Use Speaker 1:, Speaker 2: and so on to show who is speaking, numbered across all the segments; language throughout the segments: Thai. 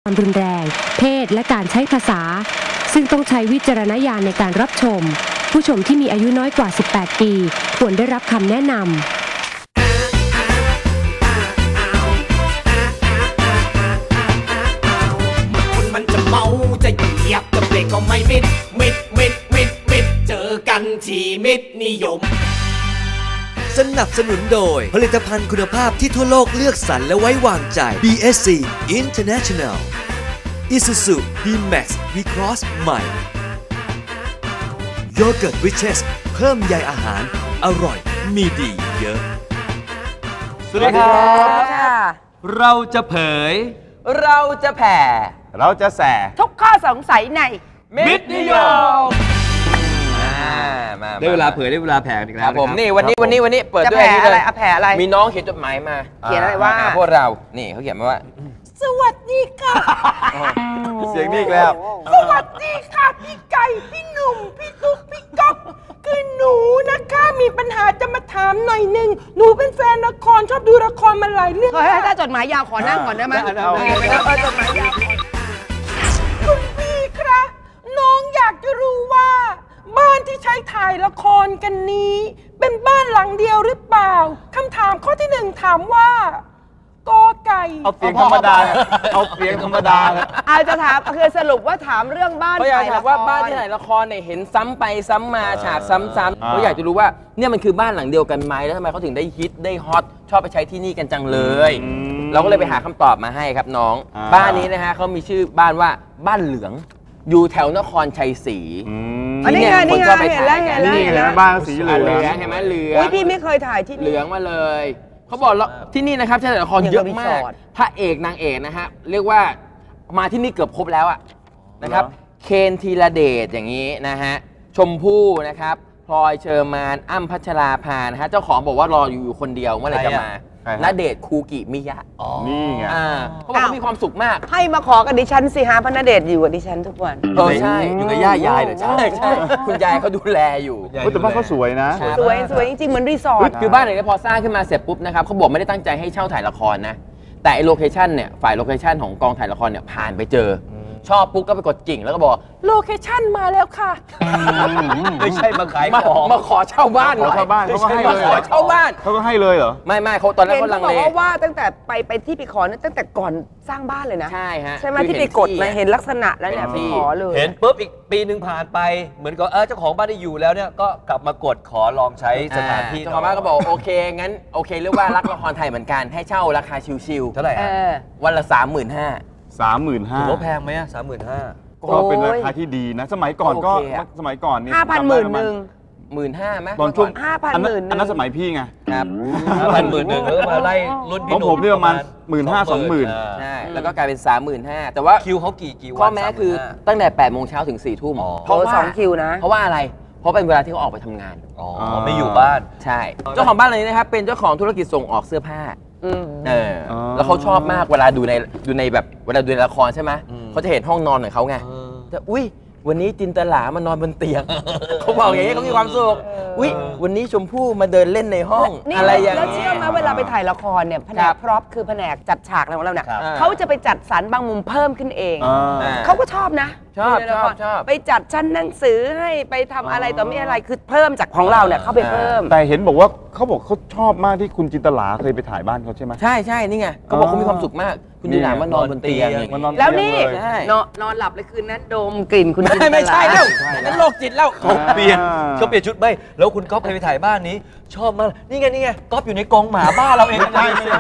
Speaker 1: ความรุนแรงเพศและการใช้ภาษาซึ่งต้องใช้วิจารณญาณในการรับชมผู้ชมที่มีอายุน้อยกว่า 18 ปีควรได้รับคำแนะนำ
Speaker 2: มันจะเมาจะเหยียบจะเบรกก็ไม่มิดเจอกันที่มิดนิยม
Speaker 3: สนับสนุนโดยผลิตภัณฑ์คุณภาพที่ทั่วโลกเลือกสรรและไว้วางใจ BSC International Isuzu D-Max V-Cross ใหม่ Yogurt Riches เพิ่มใยอาหารอร่อยมีดีเยอะ
Speaker 4: สวัสดีครับ
Speaker 5: เราจะเผย
Speaker 4: เราจะแผ่
Speaker 5: เราจะแส่
Speaker 4: ทุกข้อสงสัยใน
Speaker 5: มิตรนิยม
Speaker 4: มา
Speaker 5: ได้เวลาเผยได้เวลาแผ่อีก
Speaker 4: ค
Speaker 5: แล้
Speaker 4: รั
Speaker 5: ว
Speaker 4: บผม
Speaker 5: ะ
Speaker 4: นี่วันนี้เปิด
Speaker 6: จะ
Speaker 4: ด้วย
Speaker 6: แผ่
Speaker 4: อันนี้
Speaker 6: อะไร
Speaker 4: เลย
Speaker 6: อะแผ่อะไร
Speaker 4: มีน้องเขียนจดหมายมา
Speaker 6: เขียนอะไรว่า
Speaker 4: หพวกเรา นี่เขาเขียนมาว่า
Speaker 6: สวัสดีค่ะ
Speaker 5: เสียงนี่อีกแล้ว
Speaker 6: สวัสดีค่ะพี่ไก่พี่หนุ่มพี่ตุ๊กพี่ก๊อฟคือหนูนะคะมีปัญหาจะมาถามหน่อยหนึ่งหนูเป็นแฟนละครชอบดูละครมาหลายเรื่องถ้าจดหมายยาวขอนั่งก่อนได้ไหมจดหมายยาวคุณพี่ครับน้องอยากจะรู้ว่า บ้านที่ใช้ถ่ายละครกันนี้ เป็นบ้านหลังเดียวหรือเปล่าคำถามข้อที่หนึ่งถามว่ากอไก่
Speaker 5: เอาเสียงธรรมดาเอาเสียงธรรมดา
Speaker 6: อาจจะถามคือสรุปว่าถามเรื่องบ้าน
Speaker 4: เขาอยาก
Speaker 6: ถ่าย
Speaker 4: ถา
Speaker 6: ละ
Speaker 4: ม
Speaker 6: ค
Speaker 4: ว่าบ้านที่ถ่ายละครเนี่ยเห็นซ้ำไปซ้ำมาฉากซ้ำๆเขาอยากจะรู้ว่าเนี่ยมันคือบ้านหลังเดียวกันไหมแล้วทำไมเขาถึงได้ฮิตได้ฮอตชอบไปใช้ที่นี่กันจังเลย เราก็เลยไปหาคำตอบมาให้ครับน้อง บ้านนี้นะฮะเขามีชื่อบ้านว่าบ้านเหลือง อยู่แถวนครชัยศรี
Speaker 6: อันนี้ไงนี่ไงเห็นแล้วเห็นแล้ว
Speaker 5: นี่
Speaker 6: เห็น
Speaker 5: เล
Speaker 6: แล้
Speaker 5: ยว บ้านสีเหลื
Speaker 4: เหลื
Speaker 5: อ
Speaker 4: อง งเห็นไหมเหลือง
Speaker 6: อุ้ยพี่ไม่เคยถ่ายที่
Speaker 4: เหลืองมาเลยเขาบอกแล้วที่นี่นะครับใช้ละครเยอะมากพระเอกนางเอกนะฮะเรียกว่ามาที่นี่เกือบครบแล้วอะนะครับเคนธีรเดชอย่างนี้นะฮะชมพู่นะครับพลอยเชอร์มานอ้ำพัชราภานะฮะเจ้าของบอกว่ารออยู่คนเดียวเมื่อไหร่จะมาณเดชน์คูกิมิยะ
Speaker 5: นี่ไง
Speaker 4: เขาบอกเขามีความสุขมาก
Speaker 6: ให้มาขอกับดิฉันสิฮะพระณเดชน์อยู่กับดิฉันทุกวัน
Speaker 4: ใช่อยู่กับย่ายายเหรอใช่คุณยายเขาดูแลอยู่
Speaker 5: แต่บ้านเขาสวยนะ
Speaker 6: สวยสวยจริงๆเหมือนรีสอร์ท
Speaker 4: คือบ้านหลังนี้พอสร้างขึ้นมาเสร็จปุ๊บนะครับเขาบอกไม่ได้ตั้งใจให้เช่าถ่ายละครนะ แต่ไอ้โลเคชันเนี่ยฝ่ายโลเคชันของกองถ่ายละครเนี่ยผ่านไปเจอชอบปุ๊บก็ไปกดกิ่งแล้วก็บอกโลเคชันมาแล้วค่ะ
Speaker 5: ไม่ใช่มาขายของ
Speaker 4: มาขอเช่าบ้านหน่อย
Speaker 5: ขอเช่าบ้านเขาก็ให้เลย
Speaker 4: มาขอเช่าบ้าน
Speaker 5: เขาก็ให้เลยเหรอ
Speaker 4: ไม่เขาตอนแรก
Speaker 6: เห็น
Speaker 4: เขาลั
Speaker 6: เขา
Speaker 4: ง
Speaker 6: บอ
Speaker 4: เล
Speaker 6: กว่าตั้งแต่ไปที่ไปขอเนี่ยตั้งแต่ก่อนสร้างบ้านเลยนะ
Speaker 4: ใช่ฮะ
Speaker 6: ใช่ไหม
Speaker 4: คือ
Speaker 6: ที่ไปกดมา
Speaker 4: เห็นที่
Speaker 6: เห็นลักษณะแล้วเนี่ย
Speaker 4: เห็
Speaker 6: ไป
Speaker 4: นที่
Speaker 6: ขอเลย
Speaker 7: เห็นปุ๊บอีกปีหนึ่งผ่านไปเหมือนกับเจ้าของบ้านที่อยู่แล้วเนี่ยก็กลับมากดขอลองใช้สถานที่
Speaker 4: เจ้าของบ้านก็บอกโอเคงั้นโอเคเรียกว่ารักละครไทยเหมือนกันให้เช่าราคาชิว
Speaker 7: เท่าไหร่
Speaker 6: เอ
Speaker 7: ฮะ
Speaker 6: อ
Speaker 4: ๆวันละ 35,000
Speaker 5: 35,000
Speaker 7: ถือว่าแพงไหมอะ35,000
Speaker 5: ก็เป็นราคาที่ดีนะ สมัยก่อนก็
Speaker 4: โอเคอะ
Speaker 5: สมัยก่อนนี่
Speaker 6: 5,000หมื่นหนึ่ง
Speaker 4: 15,000ไหม
Speaker 5: ตอนช่วง
Speaker 6: 5,000
Speaker 5: อัน
Speaker 6: หมื่นหนึ่ง
Speaker 5: นั้นสมัยพี่ไง
Speaker 4: ครับ
Speaker 7: 5,000 หมื่นหนึ่งแล้วก็มาไล่รุ่น
Speaker 5: ข
Speaker 7: พี่
Speaker 5: อง
Speaker 7: หนุ่ม
Speaker 5: ผมเนี่ยประมาณ15,000 20,000
Speaker 4: ใช่แล้วก็กลายเป็น 35,000แต่ว่า
Speaker 7: คิวเขากี่วัน
Speaker 4: ข้อแม้คือตั้งแต่8 โมงเช้าถึง 4 ทุ่ม
Speaker 6: เพราะสองคิวนะ
Speaker 4: เพราะว่าอะไร เพราะเป็นเวลาที่เขาออกไปทำงาน
Speaker 7: อ๋อไม่อยู่บ้าน
Speaker 4: ใช่ เจ้าของบ้านหลังนี้นะครับ เป็นเจ้าของธุรกิจส่งออกเสื้อผ้า แล้วเขาชอบมากเวลาดูในแบบเวลาดูในละครใช่ไหมเขาจะเห็นห้องนอนของเขาไงแต่อุ้ยวันนี้จินตลามานอนบนเตียง เขาบอกอย่างนี้เขามีความสุขอุ้ยวันนี้ชมพู่มาเดินเล่นในห้อง
Speaker 6: นี่
Speaker 4: อะไรอย่าง
Speaker 6: แล้ว
Speaker 4: นี้
Speaker 6: เชื่อไหมเวลาไปถ่ายละครเนี่ยแผน
Speaker 4: ครั
Speaker 6: ก
Speaker 4: บ
Speaker 6: พร็อพคือแผนกจัดฉากอะไรของเราเนี่ย
Speaker 7: ครับ
Speaker 6: เขาจะไปจัดสรรบางมุมเพิ่มขึ้นเอง เขาก็ชอบนะ
Speaker 4: ชอบ
Speaker 6: ในละคร
Speaker 4: ชอบ
Speaker 6: ไปจัดชั้นหนังสือให้ไปทำอะไรต่อมีอะไรคือเพิ่มจากของเราเนี่ยเข้าไปเพิ่ม
Speaker 5: แต่เห็นบอกว่าเขาบอกเขาชอบมากที่คุณจินตลาเคยไปถ่ายบ้านเขาใช่ไหม
Speaker 4: ใช่นี่ไงเขาบอกเขามีความสุขมาก คุณจินตลามานอนบนเตียง
Speaker 5: มานอน
Speaker 6: แล้วนี่
Speaker 5: เตียงเลย
Speaker 4: ใช่
Speaker 6: นอนหลับเลยคืนนั้นดมกลิ่นคุณจินตลา
Speaker 4: ไม่ใช่แล้วนั่นโรคจิตแล้ว
Speaker 7: เขาเปลี่ยนชุดไม่แล้วคุณก๊อฟเคยไปถ่ายบ้านนี้ ชอบมากนี่ไงก๊อฟอยู่ในกรงหมาบ้านเราเองนะ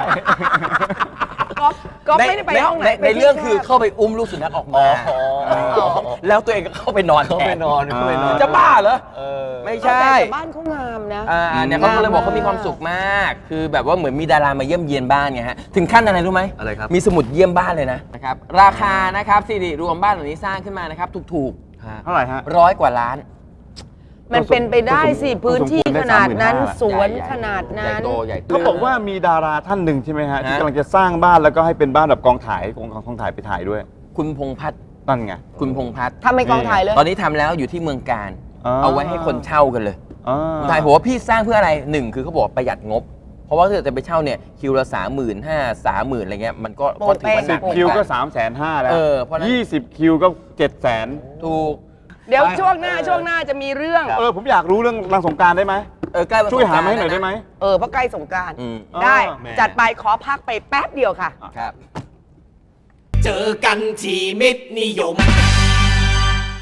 Speaker 6: ก็ไม่ได้ไปห้องไหน
Speaker 4: ในเรื่องคือเข้าไปอุ้มลูกสุนัขออกมา แล้วตัวเองก็เข้าไปนอน
Speaker 7: เขาไปนอน
Speaker 4: จะบ้าเหรอไม่ใช่
Speaker 6: แต่บ้านเขางามนะ
Speaker 4: เนี่ยเขาก็เลยบอกเขามีความสุขมาก คือแบบว่าเหมือนมีดารามาเยี่ยมเยียนบ้านไงฮะถึงขั้นอะไรรู้ไหม
Speaker 7: อะไรครับ
Speaker 4: มีสมุดเยี่ยมบ้านเลยนะครับราคานะครับสิริรวมบ้านหลังนี้สร้างขึ้นมานะครับถูก
Speaker 5: เท่าไหร่ฮะ
Speaker 4: ๆ100 กว่าล้าน
Speaker 6: มันเป็นไปได้สิพื้นที่ขนาดนั้นสวนขนาด
Speaker 4: ใหญ่
Speaker 6: นั้น
Speaker 4: โตใหญ่โต
Speaker 5: เขาบอกว่ามีดาราท่านหนึ่งใช่ไหมฮะที่
Speaker 4: ฮะ
Speaker 5: กำลังจะสร้างบ้านแล้วก็ให้เป็นบ้านแบบกองถ่ายไปถ่ายด้วย
Speaker 4: คุณพงษ์พัฒน์
Speaker 5: นั่นไง
Speaker 4: คุณพงษ์พัฒน์
Speaker 6: ทำเป็นกองถ่ายเลย
Speaker 4: ตอนนี้ทำแล้วอยู่ที่เมืองการ เอาไว้ให้คนเช่ากันเลย
Speaker 5: อ่า
Speaker 4: ผมถ่ายหัวว่าพี่สร้างเพื่ออะไรหนึ่งคือเขาบอกประหยัดงบเพราะว่าถ้าเกิดจะไปเช่าเนี่ยคิวละ35,000 30,000อะไรเงี้ยมันก็ถือว่าหนัก
Speaker 5: 10 คิวก็ 350,000แล้ว
Speaker 4: เพราะฉะนั้น
Speaker 5: 20 คิวก็ 700,000
Speaker 4: ถูก
Speaker 6: เดี๋ยวช่วงหน้าจะมีเรื่อง
Speaker 5: ผมอยากรู้เรื่องนางสงกรารได้ไหม
Speaker 4: ใกล้วัน
Speaker 5: ช่วยหามาให้
Speaker 4: สงกรนต์
Speaker 5: หน่อยได้ไหม
Speaker 6: เพราะใกล้สงกรานต์
Speaker 4: อืม
Speaker 6: ได้
Speaker 5: แหม
Speaker 6: จัดไปขอพักไปแป๊บเดียวค่ะ
Speaker 4: ครับ
Speaker 2: เจอกันที่มิตรนิยม